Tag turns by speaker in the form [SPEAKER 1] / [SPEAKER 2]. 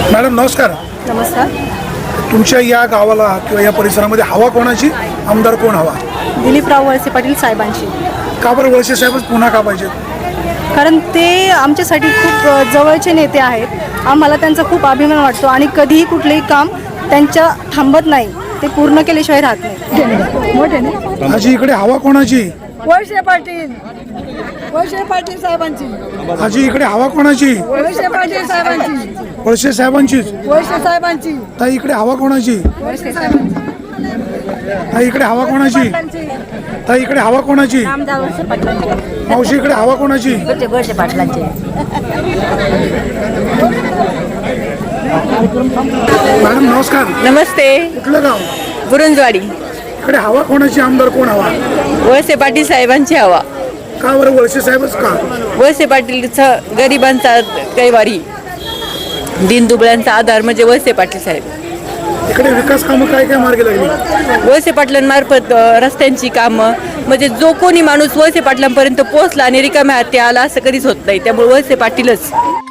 [SPEAKER 1] Madam नमस्कार.
[SPEAKER 2] नमस्कार.
[SPEAKER 1] तुमच्या या गावाला किंवा या परिसरामध्ये हवा कोणाची, आमदार कोण हवा?
[SPEAKER 2] दिलीपराव वळसे पाटील साहेबांची.
[SPEAKER 1] का बरं वळसे साहेबच पुन्हा का पाहिजेत?
[SPEAKER 2] कारण ते आमच्यासाठी खूप जवळचे नेते आहेत. आम्हाला त्यांचा खूप अभिमान वाटतो आणि कधीही कुठलेही काम त्यांच्या थांबत नाही, ते पूर्ण केल्याशिवाय राहत नाही. मोठे ना
[SPEAKER 1] आजी इकडे हवा कोणाची?
[SPEAKER 3] वळसे पाटील. वळसे पाटील साहेबांची.
[SPEAKER 1] आजी इकडे हवा कोणाची?
[SPEAKER 3] वळसे पाटील साहेबांची.
[SPEAKER 1] वळसे साहेबांचीच.
[SPEAKER 3] वळसे साहेबांची.
[SPEAKER 1] ताई इकडे हवा कोणाची?
[SPEAKER 3] वळसे साहेबांची.
[SPEAKER 1] ताई इकडे हवा कोणाची? ताई इकडे हवा कोणाची? मावशी इकडे हवा कोणाची?
[SPEAKER 4] वळसे पाटलांचे.
[SPEAKER 1] मॅडम नमस्कार.
[SPEAKER 4] नमस्ते.
[SPEAKER 1] कुठलं गाव?
[SPEAKER 4] बुरंजवाडी.
[SPEAKER 1] इकडे हवा कोणाची, आमदार कोण हवा?
[SPEAKER 4] वळसे पाटील साहेबांची हवा.
[SPEAKER 1] का बरं वळसे साहेबच का?
[SPEAKER 4] वळसे पाटीलचा गरिबांचा कैवारी, दीनदुबळ्यांचा आधार म्हणजे वळसे पाटील साहेब.
[SPEAKER 1] इकडे विकास कामं काय काय मार्गी लागली?
[SPEAKER 4] वळसे पाटलांमार्फत रस्त्यांची कामं, म्हणजे जो कोणी माणूस वळसे पाटलांपर्यंत पोहोचला आणि रिकाम्या हाती आला असं कधीच होत नाही. त्यामुळे वळसे पाटीलच.